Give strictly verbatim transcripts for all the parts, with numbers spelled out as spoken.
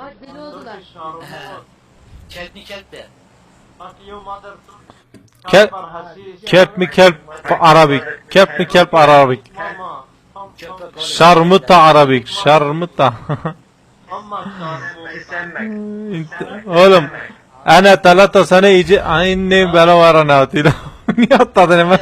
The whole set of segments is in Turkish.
Bak deli oldular. Kelp mi kelp de? Kelp, kelp mi kelp Arabik? Kelp mi kelp Arabik? Şarmıta Arabik, şarmıta. Oğlum, ana talata sana iyice aynı bana var ana atıyla. Niye atladın hemen?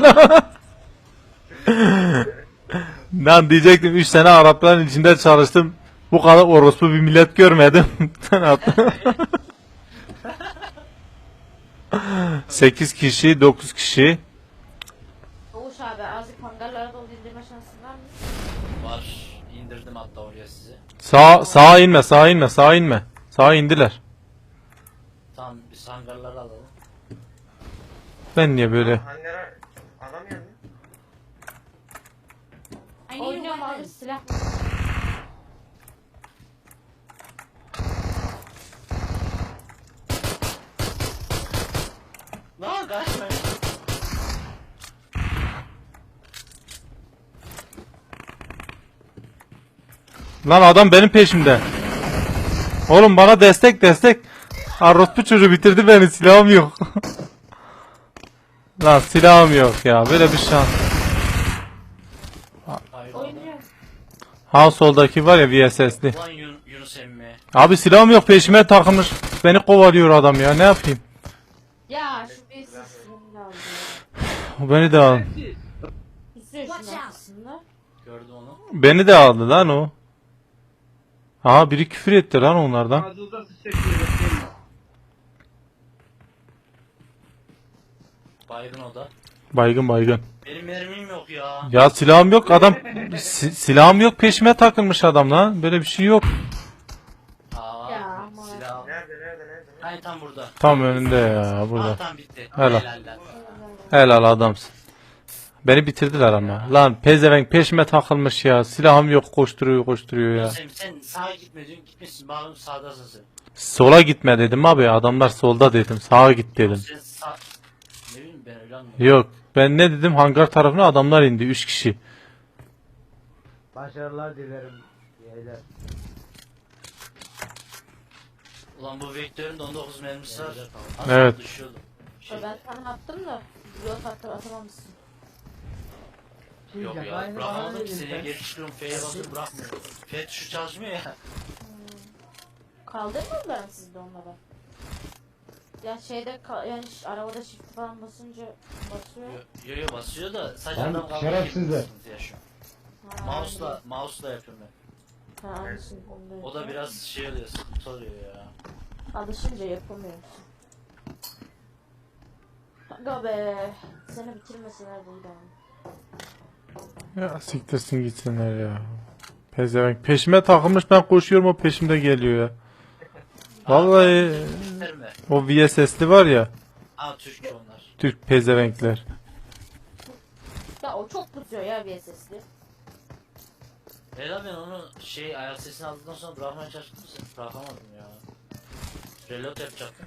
Lan diyecektim üç sene Arapların içinde çalıştım. Bu kadar orospu bir millet görmedim. Sen attın. sekiz kişi, dokuz kişi. Oğuz abi azıcık hangarlara dolu indirme şansın var mı? Var. İndirdim hatta oraya sizi. Sağ sağa inme, sağa inme, sağa inme. Sağa indiler. Tamam biz hangarları alalım. Ben niye böyle? Hangara alamıyor mu? Oynuyorum abi silah. Lan kaçmayın. Lan adam benim peşimde. Oğlum bana destek destek. Arrospu çocuğu bitirdi beni, silahım yok. Lan silahım yok ya, böyle bir şans. Hayır. Oynuyorum. Ha soldaki var ya V S S'li. Ulan Yun Yunus emmi. Abi silahım yok, peşime takılmış. Beni kovalıyor adam ya, ne yapayım? Ya şu bir sesini de aldı. Beni de aldı. İstiyor şunu aslında. Gördüm onu. Beni de aldı lan o. Aha biri küfür etti lan onlardan. Ağzınıza sıçacak diye bekleyin. Baygın o da. Baygın baygın. Benim mermim yok ya. Ya silahım yok adam. Si- silahım yok, peşime takılmış adam lan. Böyle bir şey yok. Aa, Ya aman. silah. Nerede nerede nerede? Hani tam burada. Tam önünde ya, Aa, burada. tam bitti. Helal. Helal lan. Helal adamsın. Beni bitirdiler ama. Lan pezevenk peşime takılmış ya. Silahım yok, koşturuyor koşturuyor ya. Sen, sen sağa gitme diyorsun, gitmişsin. Bağım sağdasın sen. Sola gitme dedim abi. Adamlar solda dedim. Sağa git dedim. Sen sağ... Ne bileyim ben öyle anladım. Yok. Ben ne dedim? Hangar tarafına adamlar indi. Üç kişi. Başarılar dilerim. Beyler. Ulan bu vektörün de on dokuz mermisi var. Az Evet. düşüyordu. Şey, Ben sana attım da yok attım atamamışsın. yok ya bırakamadım ki seni geri çıkıyorum F'ye basıp bırakmıyor. F tuşu çalışmıyor ya. Kaldırmadılar mı sizde onları? Ya şeyde ka- yani ş- arabada shift falan basınca basıyor. Yo yo basıyor da sadece Lan adam kalkıyor. şerefsizler. Sıkıntı yaşıyor. Ha, Mouse'la mouse'la yapıyorum ben. Ha, alışın, onu da O da yapıyor. biraz şey oluyor, sıkıntı oluyor ya. Alışınca yapamıyorsun. Aga be. Seni bitirmeseler buydu ama. Ya siktirsin gitsinler ya. Pezevenk peşime takılmış, ben koşuyorum o peşimde geliyor ya. Vallahi Biter mi? o V S S'li var ya. Aa Türk onlar. Türk pezevenkler. Ya o çok tutuyor ya V S S'li. Ela ben onu şey ayak sesini aldıktan sonra bırakmaya çalıştım sen bırakamadım ya. Reload yapacaktım.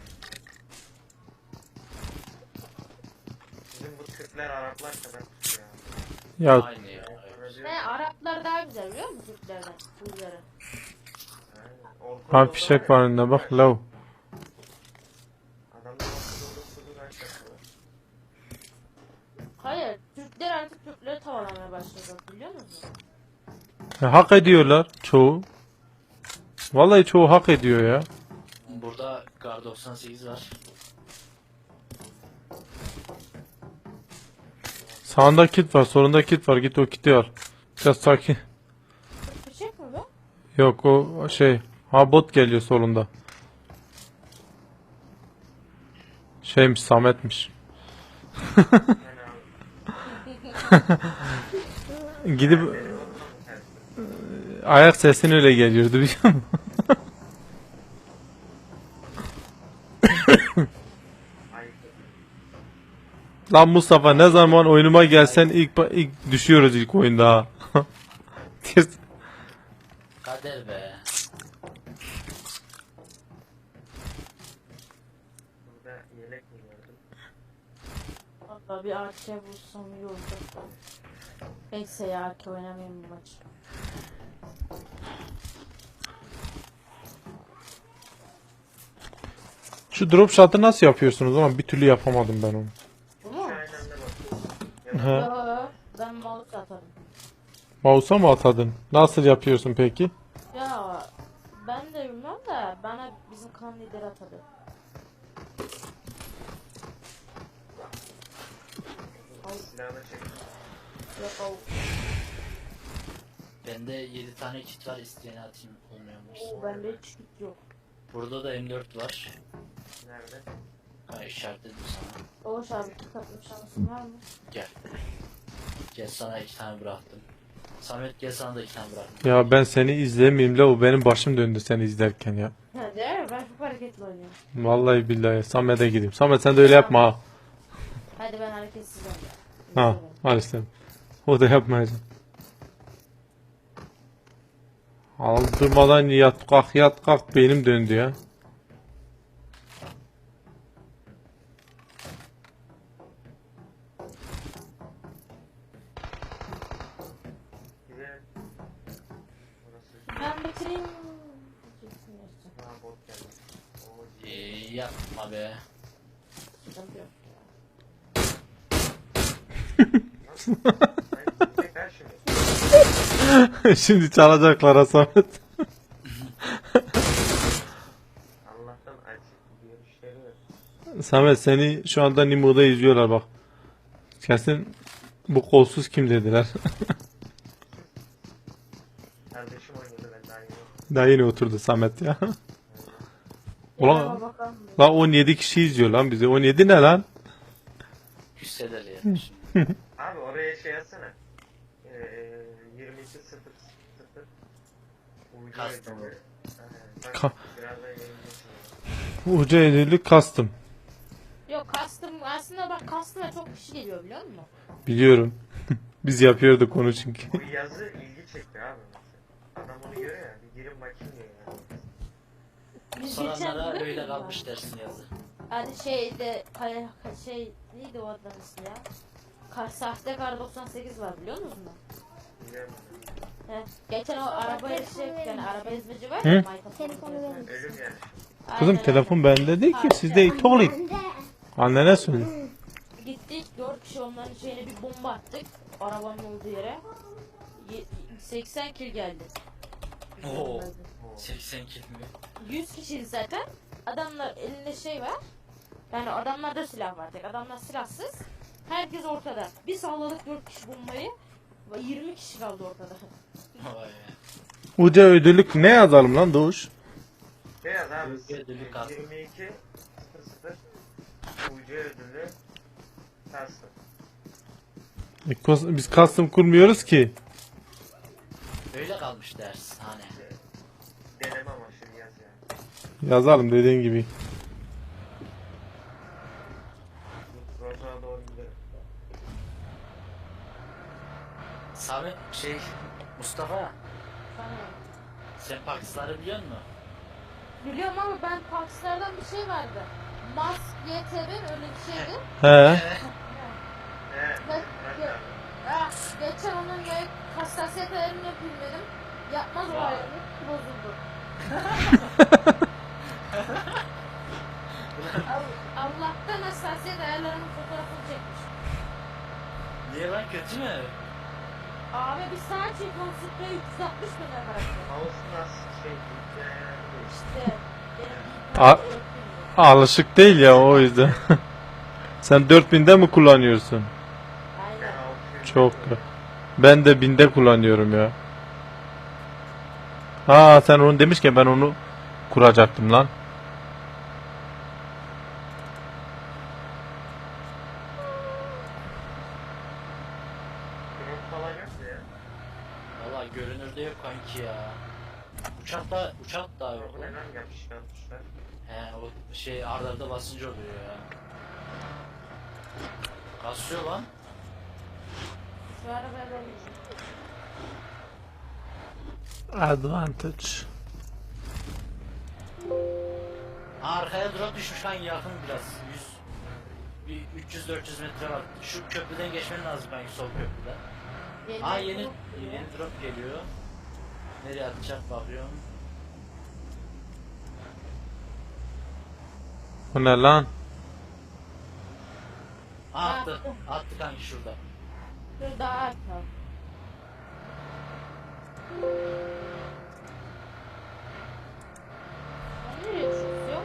Bizim bu Türkler Araplar kadar tutuyor. Ya Aynı ya. Evet. Ne Araplar daha güzel biliyor musun Türklerden? Türklerden. ha fişek var önünde bak lav. Adamlar ortada olup kuzu kaç yapıyorlar. Hayır Türkler artık Türkleri tavalamaya başladı biliyor musun? Ya, hak ediyorlar çoğu. Vallahi çoğu hak ediyor ya. Burada Kar doksan sekiz var. Sağında kit var, solunda kit var. Git o kiti al. Biraz sakin. Fişek mi bu? Yok o şey. Ha bot geliyor solunda. Şeymiş, Samet'miş. Gidip ayak sesin öyle geliyordu biliyor musun? Lan Mustafa ne zaman oyunuma gelsen ilk ilk düşüyoruz ilk oyunda ha. Kader be. Burada yelek mi gördüm? Valla bir A K bulsam iyi olacak. Neyse ya A K oynamayayım bu maç. Şu drop shot'ı nasıl yapıyorsunuz ama bir türlü yapamadım ben onu. Bu Şu mu? aynı anda bakıyorsun. He. Yo, ben mouse atarım. Mouse'a mı atadın? Nasıl yapıyorsun peki? Ya ben de bilmem de bana bizim klan lideri atadı. Silahını çek. Yok o. Bende yedi tane kit var, isteyene atayım, olmuyormuş. Oo, bende hiç kit yok. Burada da M dört var. Nerede? Ha, işaretledim sana. Oğuz abi kit atmış şansın var mı? Gel. Gel, sana iki tane bıraktım. Samet gel, sana da iki tane bıraktım. Ya ben seni izlemeyeyim la, o benim başım döndü seni izlerken ya. Ha değil mi? Ben çok hareketli oynuyorum. Vallahi billahi Samet'e gideyim. Samet sen de öyle yapma ha. Hadi ben hareketsiz oynayayım. Ha, al işte. O da yapmayacak. Aldırmadan yat kalk yat kalk, beynim döndü ya. Gidelim. Burası. Ben bitireyim. Ha, bot geldi. Oo, Ee, yapma be. Sıkıntı yok. Hayır, gidecek her şimdi. Şimdi çalacaklar ha Samet. Allah'tan açık görüşleri var. Samet seni şu anda Nimo'da izliyorlar bak. Kesin bu kolsuz kim dediler. Kardeşim oynuyordu, ben daha yeni. Daha yeni oturdu Samet ya. Ulan. Ulan lan on yedi kişi izliyor lan bizi. on yedi ne lan? Hüsseler yani. Abi oraya şey yazsana. Ee, yirmi iki sıfır sıfır. Uydu Custom. ödülü. Aynen, Ka- bak, birazdan yayınlayacağım. Uca edildi custom. Yok custom aslında bak custom'a çok kişi geliyor biliyor musun? Biliyorum. Biz yapıyorduk onu çünkü. Bu yazı ilgi çekti abi mesela. Adam onu görüyor ya. Bir girin bakayım diyor yani. Biz Soranlara geçen- öyle kalmış dersin yazı. Hadi şeyde kay, şey neydi o adamın ismi ya? Kar, sahte kar doksan sekiz var biliyor musun? Biliyorum. He. Geçen o araba şey yani araba ezmeci var Hı? ya Minecraft Telefonu oynuyor. verin. Ölüm yani. Kızım Aynen, telefon bende değil ki, sizde it ol it. Annene söyle. aynen. Gittik dört kişi onların şeyine bir bomba attık arabanın olduğu yere. Ye- seksen kill geldi. Oo. seksen kill mi? yüz kişiydi zaten. Adamlar elinde şey var. Yani adamlarda silah var tek. Adamlar silahsız. Herkes ortada. Bir salladık dört kişi bombayı. ve yirmi kişi kaldı ortada. Vay be. Uca ödüllük ne yazalım lan Doğuş? Beyaz abi. Uydu ödülü kastım. yirmi iki sıfır sıfır. Uydu ödülü. Kastım. E, kos- Biz custom kurmuyoruz ki. Öyle kalmış ders hani. Deneme amaçlı yaz yani. Yazalım dediğin gibi. Rozo'ya doğru gidelim. Samet şey Mustafa, Sana. sen Pakistan'ı biliyor musun? Biliyorum ama ben Pakistan'dan bir şey vardı. Mask Y T B öyle bir şeydi. He. He. Ben, bırak ge- abi. ah, geçen onun böyle hassasiyet ayarını yapayım dedim. Yapmaz o Vay. ayarını. Bozuldu. Al- Allah'tan hassasiyet ayarlarının fotoğrafını çekmiş. Niye lan, kötü mü? Abi bir saat çekiyorum sprey üç yüz altmış bin lira karakter. Mouse nasıl şey yani değil. İşte benim A- Alışık değil ya o yüzden. Sen dört binde mi kullanıyorsun? Ben Aynen. altı yüz Çok. yapıyorum. Ben de binde kullanıyorum ya. Aa sen onu demişken ben onu kuracaktım lan. Drone falan yok mu ya? Valla görünürde yok kanki ya. Uçakta uçak da yok Bu ne lan. lan yapışkanmışlar. He, o şey arda arda basınca oluyor ya. Kasıyor lan. Şu arabaya ben Advantage. Arkaya drop düşmüş kanki, yakın biraz. yüz bir üç yüz dört yüz metre var. Şu köprüden geçmen lazım kanki, sol köprüden. Aa yeni yeni drop geliyor. Nereye atacak bakıyorum. Bu ne lan? Attı. Attı kanki şurada. Dur daha arka. Ben nereye düşüyoruz? Yok.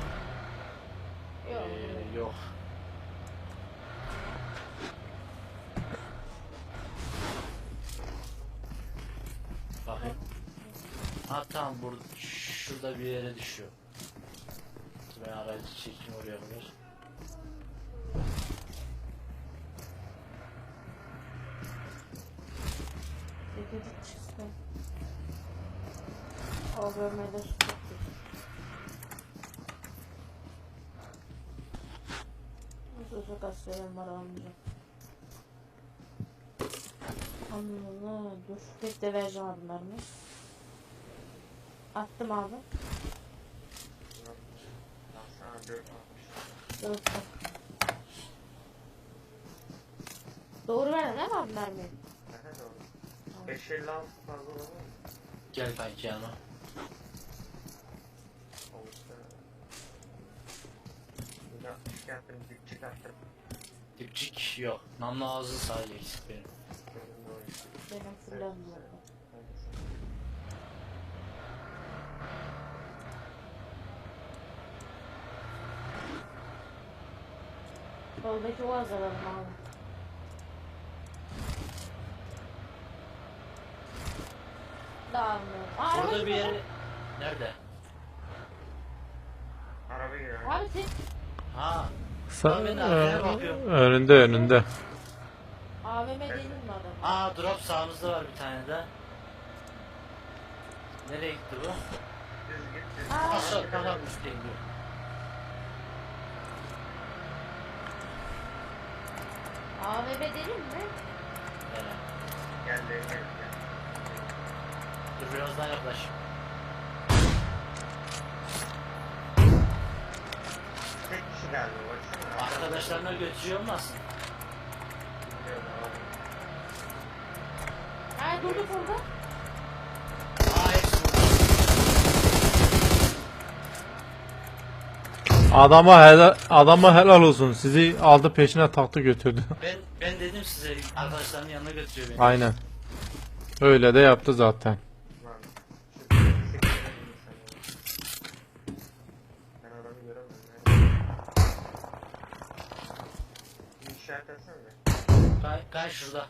Yok. Ee, yok. Bakayım. Ha tamam burada şurada bir yere düşüyor. Ben aracı çekeyim oraya kadar. Dedik çıksın. O bölmede su çok kötü. Nasıl çok aslerim var almayacağım. Allah dur. Tek de vereceğim adımlarını. Attım abi. Lan sana dört almışlar. Dur. Doğru verdin değil mi abi mermiyi? Aha doğru. beş elli altı fazla olur mu? Gel kanki yanıma. Olursa. Bir altmış yaptım, dik çıkarttım. Dipçik yok. Namlu ağzı sadece eksik benim. Benim de o işte. Benim fırlam bu arada. Soldaki o azalalım abi. Dağılmıyor. Aa, araba Burada bir gidiyor. yere... Nerede? Araba giriyor. Abi tek Ha. Sa- Ben de arkaya Ö- bakıyorum. önünde önünde. A V M değil mi adam? Aa drop sağımızda var bir tane de. Nereye gitti bu? Düz git düz. Aa. Aşağı kanal üstte gidiyor. A V M değil mi? Evet. Gel de gel gel. Dur biraz daha yaklaş. Tek kişi galiba baksana. Arkadaşlarına götürüyor olmasın? Bilmiyorum abi. Ha durduk orada. Aa hepsi burada. Adama helal, adama helal olsun. Sizi aldı peşine taktı götürdü. Ben, ben dedim size arkadaşlarının yanına götürüyor beni. Aynen. Öyle de yaptı zaten. Lan. Şu sekiz verelim sana. Ben adamı göremiyorum. Nerede? Bir işaret etsene de. Kay, kay şurada.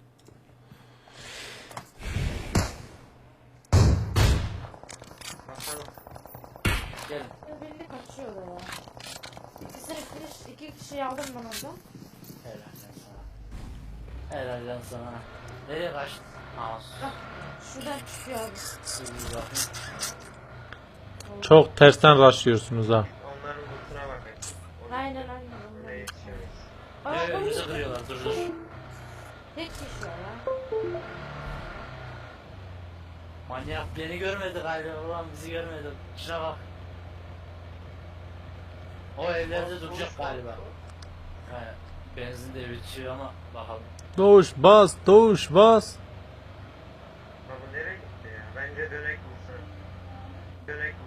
Bakalım. Gelin. Birini kaçıyor da ya. İkisini finish, iki kişi aldım ben orada. Helal lan sana. Helal lan sana. Nereye kaçtın? Mouse. Bak şuradan çıkıyor abi. Dur bir bakayım. Çok tersten rushlıyorsunuz ha. Onların lootuna bakayım. O Aynen aynen. lootuna yetişiyoruz. Aa, Ne o önümüze iyi. kırıyorlar dur dur. Tek kişi var ya. Manyak beni görmedi galiba ulan bizi görmedi. Şuna bak. O evlerde duracak galiba. He, benzin de bitiyor ama bakalım. Doğuş bas, doğuş bas. Baba nereye gitti ya? Bence dönek vursun. Dönek